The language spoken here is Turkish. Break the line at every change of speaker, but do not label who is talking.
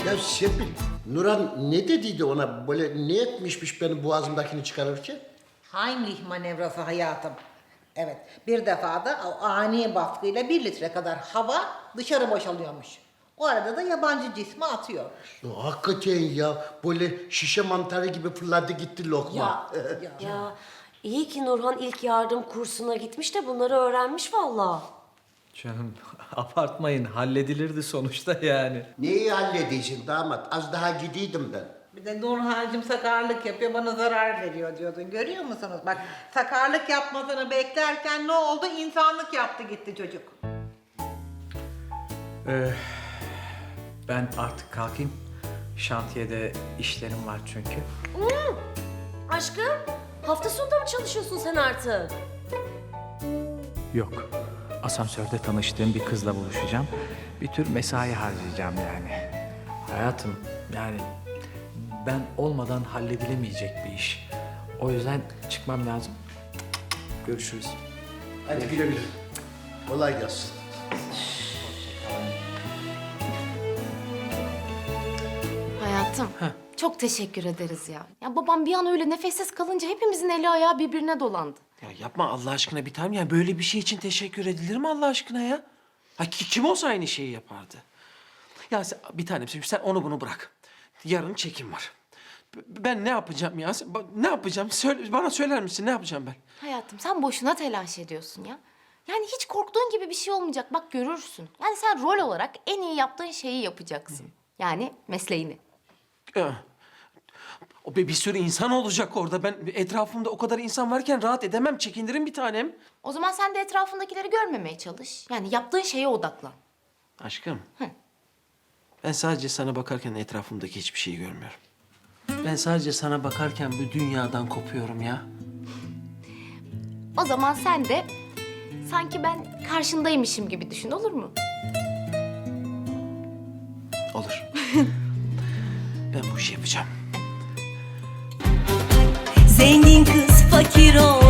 Ya Serpil, Nurhan ne dediydi ona? Böyle ne etmişmiş benim boğazımdakini çıkarırken?
Heimlich manevrası hayatım. Evet, bir defada o ani baskıyla 1 litre kadar hava dışarı boşalıyormuş. O arada da yabancı cismi atıyormuş.
Ya, hakikaten ya, böyle şişe mantarı gibi fırladı gitti lokma.
Ya iyi ki Nurhan ilk yardım kursuna gitmiş de bunları öğrenmiş vallahi.
Canım abartmayın, halledilirdi sonuçta yani.
Neyi halledeceksin damat? Az daha gidiydim ben.
Bir de Nurhancığım sakarlık yapıyor, bana zarar veriyor diyordun. Görüyor musunuz? Bak sakarlık yapmasını beklerken ne oldu? İnsanlık yaptı gitti çocuk.
Ben artık kalkayım. Şantiyede işlerim var çünkü.
Aşkım hafta sonunda mı çalışıyorsun sen artık?
Yok. Asansörde tanıştığım bir kızla buluşacağım. Bir tür mesai harcayacağım yani. Hayatım yani ben olmadan halledilemeyecek bir iş. O yüzden çıkmam lazım. Görüşürüz.
Hadi güle güle. Kolay gelsin.
Hayatım, çok teşekkür ederiz ya. Ya babam bir an öyle nefessiz kalınca hepimizin eli ayağı birbirine dolandı.
Ya yapma Allah aşkına bir tanem. Yani böyle bir şey için teşekkür edilir mi Allah aşkına ya? Ha, kim olsa aynı şeyi yapardı. Ya bir tanem şimdi sen onu bunu bırak. Yarın çekim var. Ben ne yapacağım ya? Ne yapacağım? Bana söyler misin ne yapacağım ben?
Hayatım sen boşuna telaş ediyorsun ya. Yani hiç korktuğun gibi bir şey olmayacak. Bak görürsün. Yani sen rol olarak en iyi yaptığın şeyi yapacaksın. Yani mesleğini.
Ya, o bir sürü insan olacak orada. Ben etrafımda o kadar insan varken rahat edemem. Çekinirim bir tanem.
O zaman sen de etrafındakileri görmemeye çalış. Yani yaptığın şeye odaklan.
Aşkım. Ben sadece sana bakarken etrafımdaki hiçbir şeyi görmüyorum. Ben sadece sana bakarken bu dünyadan kopuyorum ya.
O zaman sen de sanki ben karşındaymışım gibi düşün, olur mu?
Olur. Ben bu işi yapacağım.
Zengin kız fakir ol